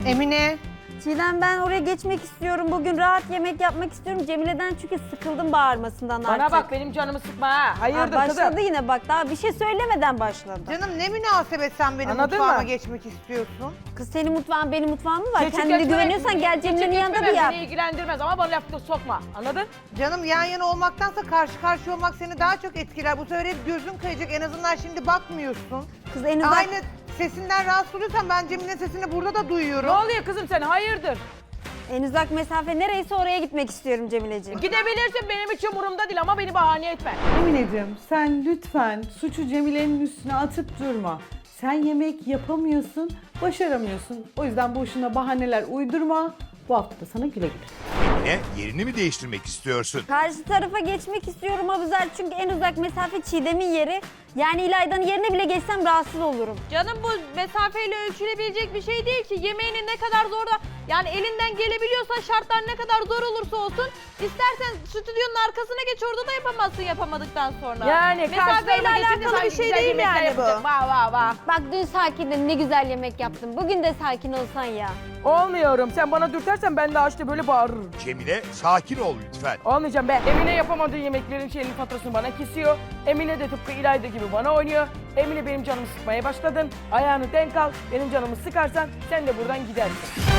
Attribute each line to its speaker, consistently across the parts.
Speaker 1: Emine.
Speaker 2: Çiğdem, ben oraya geçmek istiyorum. Bugün rahat yemek yapmak istiyorum. Cemile'den çünkü sıkıldım bağırmasından artık.
Speaker 3: Bana bak, benim canımı sıkma ha. Hayırdır
Speaker 2: başladı
Speaker 3: kızım?
Speaker 2: yine bak, daha bir şey söylemeden başladı.
Speaker 1: Canım ne münasebet sen benim
Speaker 3: Anladın
Speaker 1: mutfağıma
Speaker 3: mı?
Speaker 1: geçmek istiyorsun?
Speaker 2: Kız, senin mutfağın benim mutfağım mı var?
Speaker 3: Geçip
Speaker 2: Kendine
Speaker 3: geçmemek-
Speaker 2: güveniyorsan gel Cemile'nin
Speaker 3: geçip
Speaker 2: yanında bir
Speaker 3: geçmemek
Speaker 2: yap.
Speaker 3: Beni ilgilendirmez ama bana lafta sokma. Anladın?
Speaker 1: Canım yan yana olmaktansa karşı karşıya olmak seni daha çok etkiler. Bu sefer hep gözün kayacak. En azından şimdi bakmıyorsun.
Speaker 2: Kız en uzak...
Speaker 1: Aynı sesinden rahatsız oluyorsan ben Cemile'nin sesini burada da
Speaker 3: Ne
Speaker 1: duyuyorum.
Speaker 3: oluyor kızım sen? Hayırdır?
Speaker 2: En uzak mesafe nereyse oraya gitmek istiyorum Cemileciğim.
Speaker 3: Gidebilirsin, benim hiç umurumda değil ama beni bahane etme.
Speaker 4: Emineciğim, sen lütfen suçu Cemile'nin üstüne atıp durma. Sen yemek yapamıyorsun, başaramıyorsun. O yüzden boşuna bahaneler uydurma. Bu hafta da sana güle güle.
Speaker 5: Emine, yerini mi değiştirmek istiyorsun?
Speaker 2: Karşı tarafa geçmek istiyorum Abuzer, çünkü en uzak mesafe Çiğdem'in yeri. Yani İlayda'nın yerine bile geçsem rahatsız olurum.
Speaker 6: Canım, bu mesafeyle ölçülebilecek bir şey değil ki. Yemeğini ne kadar zor da, yani elinden gelebiliyorsa, şartlar ne kadar zor olursa olsun, istersen stüdyonun arkasına geç, orada da yapamazsın yapamadıktan sonra.
Speaker 3: Yani
Speaker 6: mesafeyle alakalı bir şey değil yani bu.
Speaker 3: Vah.
Speaker 2: Bak, dün sakindin, ne güzel yemek yaptın. Bugün de sakin olsan ya.
Speaker 3: Olmuyorum. Sen bana dürtersen ben de işte böyle bağırırım.
Speaker 5: Cemile, sakin ol lütfen.
Speaker 3: Olmayacağım be. Emine yapamadığı yemeklerin faturasını bana kesiyor. Emine de tıpkı İlayda gibi bana oynuyor. Emine, benim canımı sıkmaya başladın. Ayağını denk al. Benim canımı sıkarsan sen de buradan gidersin.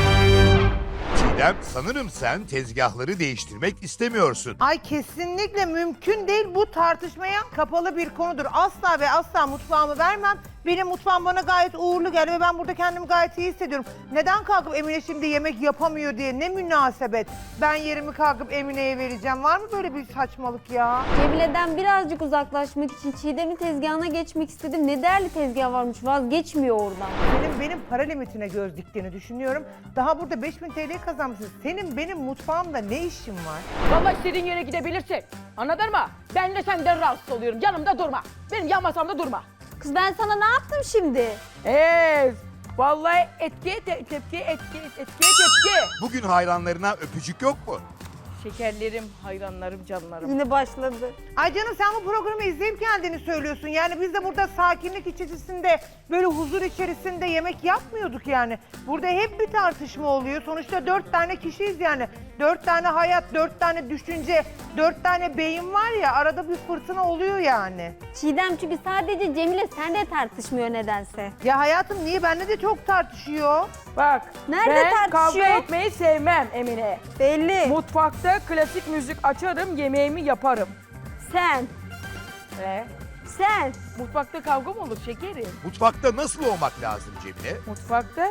Speaker 5: Çiğdem, sanırım sen tezgahları değiştirmek istemiyorsun.
Speaker 1: Ay kesinlikle mümkün değil. Bu tartışmaya kapalı bir konudur. Asla ve asla mutfağımı vermem. Benim mutfağım bana gayet uğurlu geldi ve ben burada kendimi gayet iyi hissediyorum. Neden kalkıp Emine şimdi yemek yapamıyor diye, ne münasebet. Ben yerimi kalkıp Emine'ye vereceğim. Var mı böyle bir saçmalık ya?
Speaker 2: Cemile'den birazcık uzaklaşmak için Çiğdem'in tezgahına geçmek istedim. Ne değerli tezgah varmış, vazgeçmiyor oradan.
Speaker 1: Benim para limitine göz diktiğini düşünüyorum. Daha burada 5000 TL kazanmışsın. Senin benim mutfağımda ne işin var?
Speaker 3: Vallahi istediğin yere gidebilirsin. Anladın mı? Ben de senden rahatsız oluyorum. Yanımda durma. Benim yan masamda durma.
Speaker 2: Kız, ben sana ne yaptım şimdi?
Speaker 3: Vallahi etkiye tepki.
Speaker 5: Bugün hayranlarına öpücük yok mu?
Speaker 3: Şekerlerim, hayranlarım, canlarım.
Speaker 2: Yine başladı.
Speaker 1: Ay canım, sen bu programı izleyip geldiğini söylüyorsun. Yani biz de burada sakinlik içerisinde, böyle huzur içerisinde yemek yapmıyorduk yani. Burada hep bir tartışma oluyor. Sonuçta 4 tane kişiyiz yani. 4 tane hayat, 4 tane düşünce, 4 tane beyin var ya, arada bir fırtına oluyor yani.
Speaker 2: Çiğdem, çünkü sadece Cemile seninle tartışmıyor nedense.
Speaker 1: Ya hayatım, niye? Benimle de çok tartışıyor.
Speaker 3: Bak,
Speaker 2: Nerede
Speaker 3: ben
Speaker 2: tartışıyor?
Speaker 3: kavga etmeyi sevmem Emine.
Speaker 2: Belli.
Speaker 3: Mutfakta klasik müzik açarım, yemeğimi yaparım.
Speaker 2: Sen. Sen.
Speaker 3: Mutfakta kavga mı olur şekerim?
Speaker 5: Mutfakta nasıl olmak lazım Cemile?
Speaker 3: Mutfakta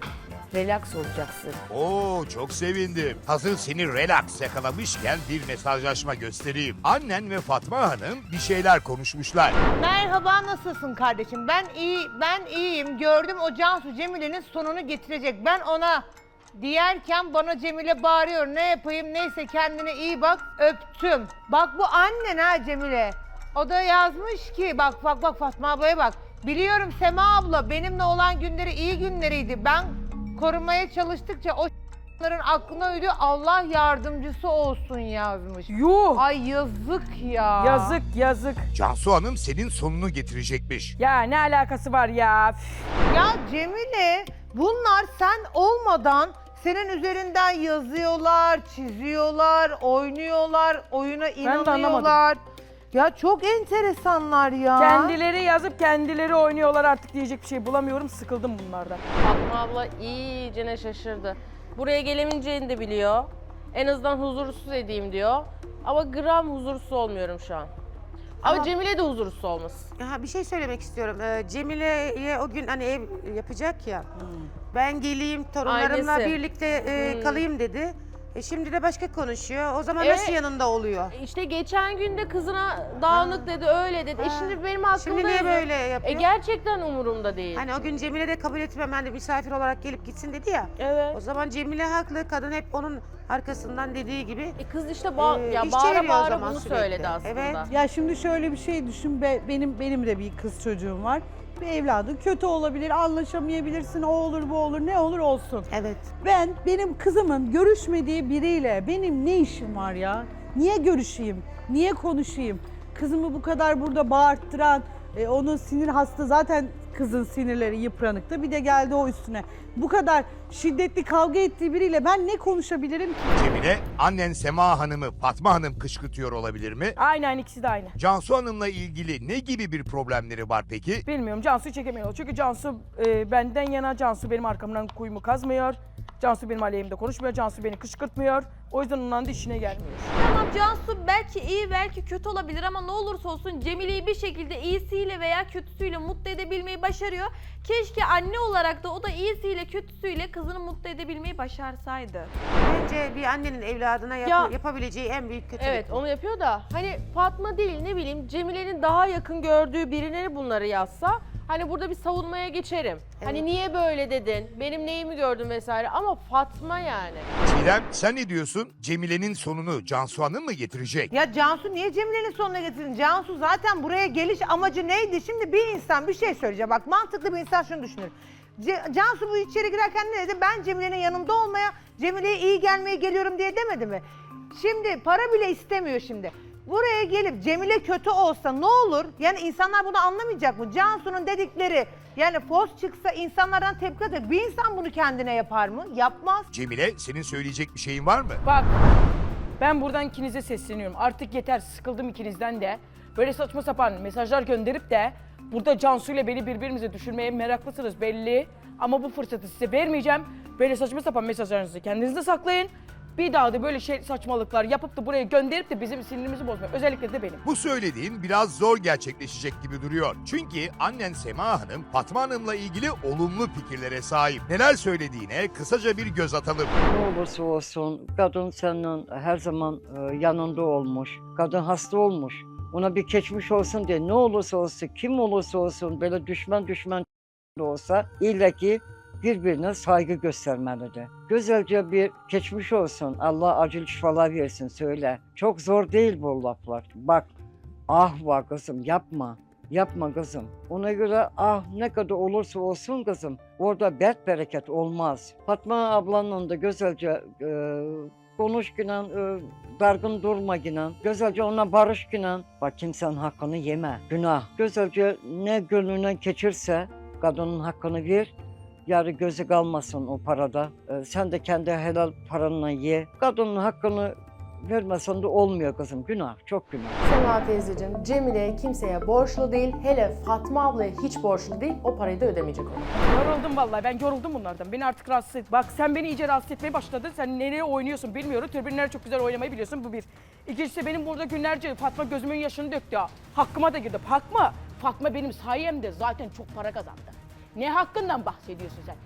Speaker 3: relax olacaksın.
Speaker 5: Oo, çok sevindim. Hazır seni relax yakalamışken bir mesajlaşma göstereyim. Annen ve Fatma Hanım bir şeyler konuşmuşlar.
Speaker 1: Merhaba, nasılsın kardeşim? Ben iyiyim. Gördüm, o Cansu Cemile'nin sonunu getirecek. Ben ona diyerken bana Cemile bağırıyor. Ne yapayım? Neyse, kendine iyi bak. Öptüm. Bak, bu annen ha Cemile. O da yazmış ki bak Fatma ablaya bak. Biliyorum Sema abla, benimle olan günleri iyi günleriydi. Ben korumaya çalıştıkça o aklına uydu. Allah yardımcısı olsun yazmış.
Speaker 3: Yuh!
Speaker 1: Ay yazık ya.
Speaker 3: Yazık.
Speaker 5: Cansu Hanım senin sonunu getirecekmiş.
Speaker 3: Ya ne alakası var ya?
Speaker 1: Ya Cemile, bunlar sen olmadan senin üzerinden yazıyorlar, çiziyorlar, oynuyorlar, oyuna inanıyorlar. Ya çok enteresanlar ya.
Speaker 3: Kendileri yazıp kendileri oynuyorlar, artık diyecek bir şey bulamıyorum. Sıkıldım bunlardan.
Speaker 6: Fatma abla iyicene şaşırdı. Buraya gelemeyeceğini de biliyor. En azından huzursuz edeyim diyor. Ama gram huzursuz olmuyorum şu an. Ama Cemile de huzursuz olmasın.
Speaker 7: Ha, bir şey söylemek istiyorum. Cemile'ye o gün hani ev yapacak ya. Ben geleyim torunlarımla
Speaker 6: Ailesi.
Speaker 7: birlikte kalayım dedi. Şimdi de başka konuşuyor. O zaman
Speaker 6: Evet.
Speaker 7: nasıl yanında oluyor?
Speaker 6: İşte geçen gün de kızına dağınık dedi, öyle dedi. Şimdi benim aklımda...
Speaker 7: Şimdi niye böyle yapıyor?
Speaker 6: Gerçekten umurumda değil.
Speaker 7: Hani o gün Cemile de kabul etmem, ben de misafir olarak gelip gitsin dedi ya.
Speaker 6: Evet.
Speaker 7: O zaman Cemile haklı. Kadın hep onun arkasından dediği gibi.
Speaker 6: Kız işte
Speaker 7: iş
Speaker 6: bağıra
Speaker 7: çeviriyor o
Speaker 6: bağıra
Speaker 7: zaman
Speaker 6: bunu
Speaker 7: sürekli.
Speaker 6: söyledi aslında.
Speaker 7: Evet.
Speaker 4: Ya şimdi şöyle bir şey düşün. Benim de bir kız çocuğum var. Bir evladı kötü olabilir, anlaşamayabilirsin, o olur bu olur, ne olur olsun.
Speaker 7: Evet.
Speaker 4: Benim kızımın görüşmediği biriyle benim ne işim var ya? Niye görüşeyim? Niye konuşayım? Kızımı bu kadar burada bağırttıran, onun sinir hastası zaten kızın sinirleri yıpranıktı. Bir de geldi o üstüne. Bu kadar şiddetli kavga ettiği biriyle ben ne konuşabilirim ki?
Speaker 5: Cemile, annen Sema Hanım'ı Fatma Hanım kışkırtıyor olabilir mi?
Speaker 3: Aynen, ikisi de aynı.
Speaker 5: Cansu Hanım'la ilgili ne gibi bir problemleri var peki?
Speaker 3: Bilmiyorum, Cansu'yu çekemiyor. Çünkü Cansu benden yana, Cansu benim arkamdan kuyumu kazmıyor. Cansu benim aleyhimde konuşmuyor, Cansu beni kışkırtmıyor. O yüzden ondan da işine gelmiyor.
Speaker 6: Tamam, Cansu belki iyi belki kötü olabilir ama ne olursa olsun Cemile'yi bir şekilde iyisiyle veya kötüsüyle mutlu edebilmeyi başarıyor. Keşke anne olarak da o da iyisiyle kötüsüyle kızını mutlu edebilmeyi başarsaydı.
Speaker 7: Bence bir annenin evladına
Speaker 8: Ya-
Speaker 7: yapabileceği en büyük kötülük.
Speaker 8: Evet onu yapıyor da hani Fatma değil ne bileyim Cemile'nin daha yakın gördüğü birine bunları yazsa hani burada bir savunmaya geçerim. Hani niye böyle dedin, benim neyimi gördün vesaire ama Fatma yani.
Speaker 5: Çiğdem, sen ne diyorsun? Cemile'nin sonunu Cansu Hanım mı getirecek?
Speaker 1: Ya Cansu niye Cemile'nin sonuna getirdin? Cansu zaten buraya geliş amacı neydi? Şimdi bir insan bir şey söyleyecek. Bak mantıklı bir insan şunu düşünür. Cansu bu içeri girerken ne dedi? Ben Cemile'nin yanında olmaya, Cemile'ye iyi gelmeye geliyorum diye demedi mi? Şimdi para bile istemiyor şimdi. Buraya gelip Cemile kötü olsa ne olur? Yani insanlar bunu anlamayacak mı? Cansu'nun dedikleri yani fos çıksa insanlardan tepki alacak. Bir insan bunu kendine yapar mı? Yapmaz.
Speaker 5: Cemile, senin söyleyecek bir şeyin var mı?
Speaker 3: Bak, ben buradan ikinize sesleniyorum. Artık yeter, sıkıldım ikinizden de. Böyle saçma sapan mesajlar gönderip de burada Cansu ile beni birbirimize düşürmeye meraklısınız belli. Ama bu fırsatı size vermeyeceğim. Böyle saçma sapan mesajlarınızı kendinizde saklayın. Bir daha da böyle saçmalıklar yapıp da buraya gönderip de bizim sinirimizi bozmayın. Özellikle de benim.
Speaker 5: Bu söylediğin biraz zor gerçekleşecek gibi duruyor. Çünkü annen Sema Hanım, Fatma Hanım'la ilgili olumlu fikirlere sahip. Neler söylediğine kısaca bir göz atalım.
Speaker 9: Ne olursa olsun kadın senin her zaman yanında olmuş. Kadın hasta olmuş. Ona bir geçmiş olsun diye ne olursa olsun, kim olursa olsun böyle düşman da olsa illa ki birbirine saygı göstermelidir. Güzelce bir geçmiş olsun, Allah acil şifalar versin söyle. Çok zor değil bu laflar. Bak, ah var kızım yapma. Yapma kızım. Ona göre ah ne kadar olursa olsun kızım. Orada bereket olmaz. Fatma ablanın da güzelce konuş günen, dargın durma günen. Güzelce ona barış günen. Bak kimsenin hakkını yeme. Günah. Güzelce ne gönlüne geçirse kadının hakkını ver. Yarı gözü kalmasın o parada. Sen de kendi helal paranla ye. Kadının hakkını vermesen de olmuyor kızım. Günah, çok günah.
Speaker 10: Sema teyzeciğim, Cemile kimseye borçlu değil. Hele Fatma ablaya hiç borçlu değil. O parayı da ödemeyecek ona.
Speaker 3: Yoruldum vallahi, ben yoruldum bunlardan. Beni artık rahatsız et. Bak sen beni iyice rahatsız etmeye başladın. Sen nereye oynuyorsun bilmiyorum. Tribünlere çok güzel oynamayı biliyorsun, bu bir. İkincisi benim burada günlerce Fatma gözümün yaşını döktü ya. Hakkıma da girdi. Fatma benim sayemde zaten çok para kazandı. Ne hakkından bahsediyorsun sen?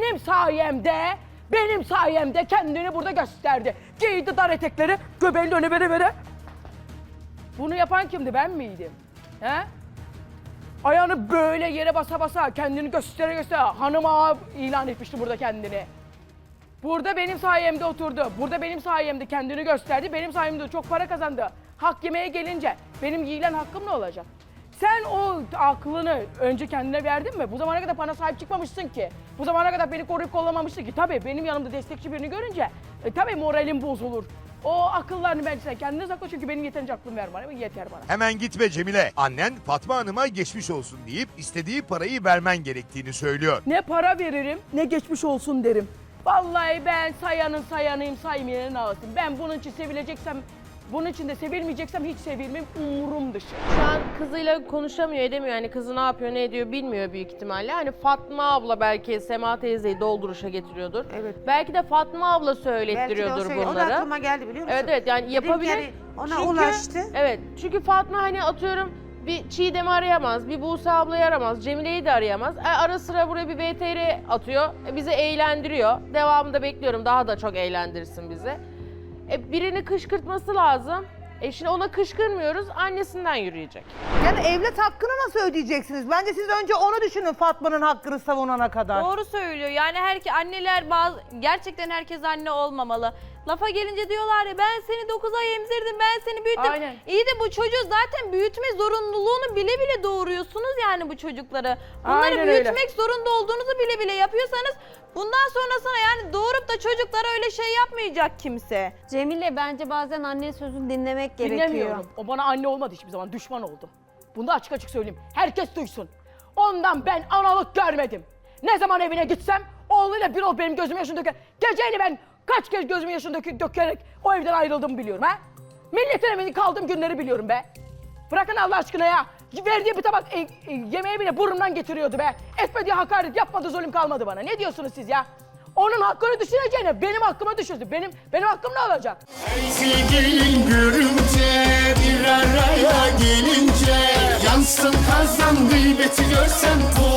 Speaker 3: Benim sayemde kendini burada gösterdi. Giydi dar etekleri, göbeğini öne vere. Bunu yapan kimdi, ben miydim? He? Ayağını böyle yere basa basa, kendini göstere hanım ağa ilan etmişti burada kendini. Burada benim sayemde oturdu, burada benim sayemde kendini gösterdi, benim sayemde çok para kazandı. Hak yemeye gelince benim yiyilen hakkım ne olacak? Sen o aklını önce kendine verdin mi? Bu zamana kadar bana sahip çıkmamışsın ki. Bu zamana kadar beni koruyup kollamamışsın ki. Tabii benim yanımda destekçi birini görünce tabii moralim bozulur. O akıllarını bence sen kendine sakla çünkü benim yeterince aklım var bana, yeter bana.
Speaker 5: Hemen gitme Cemile. Annen Fatma Hanım'a geçmiş olsun deyip istediği parayı vermen gerektiğini söylüyor.
Speaker 3: Ne para veririm ne geçmiş olsun derim. Vallahi ben sayanıyım, saymayanın ağasıyım. Ben bunun için sevileceksem, bunun için de sevilmeyeceksem hiç sevilmem, umurum dışı.
Speaker 8: Şu an kızıyla konuşamıyor edemiyor yani kızı ne yapıyor ne ediyor bilmiyor büyük ihtimalle. Hani Fatma abla belki Sema teyzeyi dolduruşa getiriyordur.
Speaker 7: Evet.
Speaker 8: Belki de Fatma abla
Speaker 7: Belki de
Speaker 8: söylettiriyordur
Speaker 7: o da
Speaker 8: bunları.
Speaker 7: aklıma geldi biliyor musun?
Speaker 8: Evet yani
Speaker 7: Dedim ki
Speaker 8: yapabilir.
Speaker 7: yani ona ulaştı.
Speaker 8: Evet çünkü Fatma hani atıyorum bir Çiğdem'i arayamaz, bir Buse ablayı aramaz, Cemile'yi de arayamaz. Ara sıra buraya bir VTR atıyor, bizi eğlendiriyor. Devamında bekliyorum daha da çok eğlendirsin bizi. Birini kışkırtması lazım. Şimdi ona kışkırmıyoruz, annesinden yürüyecek.
Speaker 1: Yani evlat hakkını nasıl ödeyeceksiniz? Bence siz önce onu düşünün Fatma'nın hakkını savunana kadar.
Speaker 6: Doğru söylüyor. Yani anneler gerçekten herkes anne olmamalı. Lafa gelince diyorlar ya ben seni 9 ay emzirdim, ben seni büyüttüm.
Speaker 3: Aynen.
Speaker 6: İyi de bu çocuğu zaten büyütme zorunluluğunu bile bile doğuruyorsunuz yani bu çocukları. Bunları
Speaker 3: Aynen
Speaker 6: büyütmek
Speaker 3: öyle.
Speaker 6: zorunda olduğunuzu bile bile yapıyorsanız bundan sonrasına yani doğurup da çocuklara öyle şey yapmayacak kimse.
Speaker 2: Cemile bence bazen anne sözünü dinlemek gerekiyor.
Speaker 3: Dinlemiyorum. O bana anne olmadı hiçbir zaman, düşman oldu. Bunu da açık açık söyleyeyim. Herkes duysun. Ondan ben analık görmedim. Ne zaman evine gitsem oğluyla bir ol benim gözümün yaşını döker. Geceyle ben kaç kez gözümün yaşını dökerek o evden ayrıldığımı biliyorum ha. Milletin evinde kaldığım günleri biliyorum be. Bırakın Allah aşkına ya. Verdiği bir tabak yemeği bile burnumdan getiriyordu be. Etmediği hakaret yapmadı, zulüm kalmadı bana. Ne diyorsunuz siz ya? Onun hakkını düşüneceğine benim hakkımı düşünsün. Benim hakkım ne olacak?
Speaker 11: Sevgilin görünce bir araya gelince yansın kazan gıybeti görsen